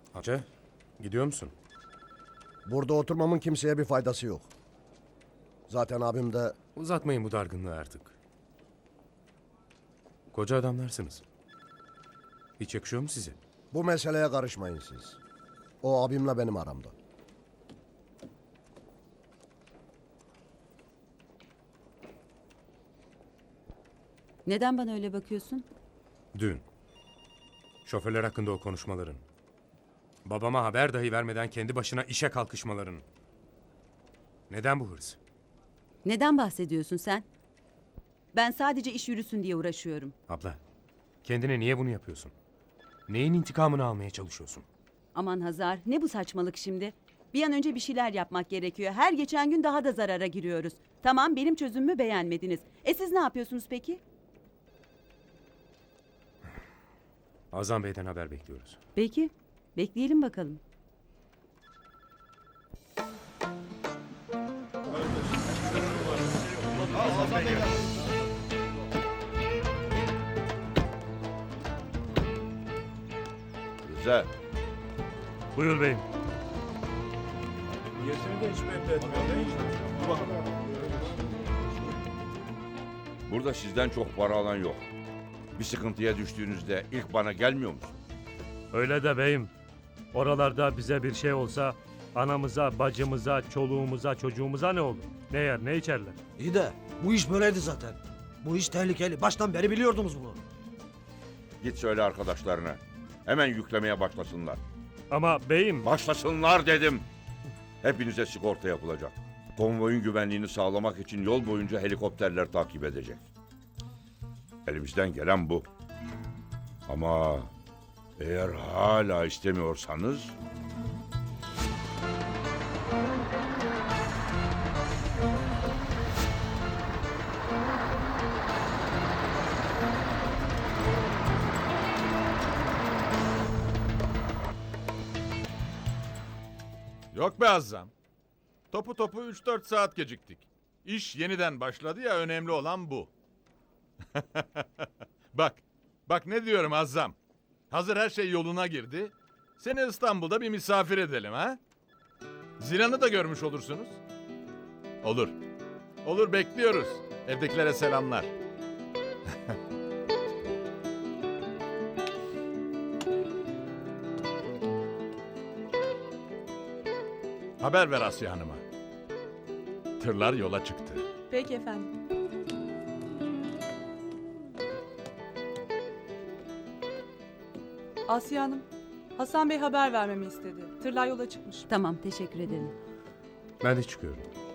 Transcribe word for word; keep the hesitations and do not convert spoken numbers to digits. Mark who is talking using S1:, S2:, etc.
S1: Hacı, gidiyor musun?
S2: Burada oturmamın kimseye bir faydası yok. Zaten abim de
S1: Uzatmayın bu dargınlığı artık. Koca adamlarsınız. Hiç yakışıyor mu size?
S2: bu meseleye karışmayın siz. O abimle benim aramda.
S3: Neden bana öyle bakıyorsun?
S1: Dün. Şoförler hakkında o konuşmaların. Babama haber dahi vermeden kendi başına işe kalkışmaların. Neden bu hırs?
S3: Neden bahsediyorsun sen? Ben sadece iş yürüsün diye uğraşıyorum.
S1: Abla, kendine niye bunu yapıyorsun? Neyin intikamını almaya çalışıyorsun?
S3: Aman Hazar, ne bu saçmalık şimdi? Bir an önce bir şeyler yapmak gerekiyor. Her geçen gün daha da zarara giriyoruz. Tamam, benim çözümümü beğenmediniz. E siz ne yapıyorsunuz peki?
S1: Azam Bey'den haber bekliyoruz.
S3: Peki, bekleyelim bakalım.
S4: Güzel.
S5: Buyur beyim.
S4: Burada sizden çok para alan yok. Bir sıkıntıya düştüğünüzde ilk bana gelmiyor musun?
S5: Öyle de beyim. Oralarda bize bir şey olsa anamıza, bacımıza, çoluğumuza, çocuğumuza ne olur? Ne yer, ne içerler?
S6: İyi de bu iş böyleydi zaten. Bu iş tehlikeli. Baştan beri biliyordunuz bunu.
S4: Git söyle arkadaşlarına. Hemen yüklemeye başlasınlar.
S5: Ama beyim...
S4: Başlasınlar dedim. Hepinize sigorta yapılacak. Konvoyun güvenliğini sağlamak için yol boyunca helikopterler takip edecek. Elimizden gelen bu. Ama eğer hala istemiyorsanız...
S7: Yok be Azzam. Topu topu üç dört saat geciktik. İş yeniden başladı ya, önemli olan bu. Bak, bak ne diyorum Azzam. Hazır her şey yoluna girdi. Seni İstanbul'da bir misafir edelim ha? Zilan'ı da görmüş olursunuz. Olur. Olur, bekliyoruz. Evdekilere selamlar. Haber ver Asya Hanım'a. Tırlar yola çıktı.
S8: Peki efendim. Asiye Hanım, Hasan Bey haber vermemi istedi. Tırlar yola çıkmış.
S3: Tamam, teşekkür ederim.
S1: Ben de çıkıyorum.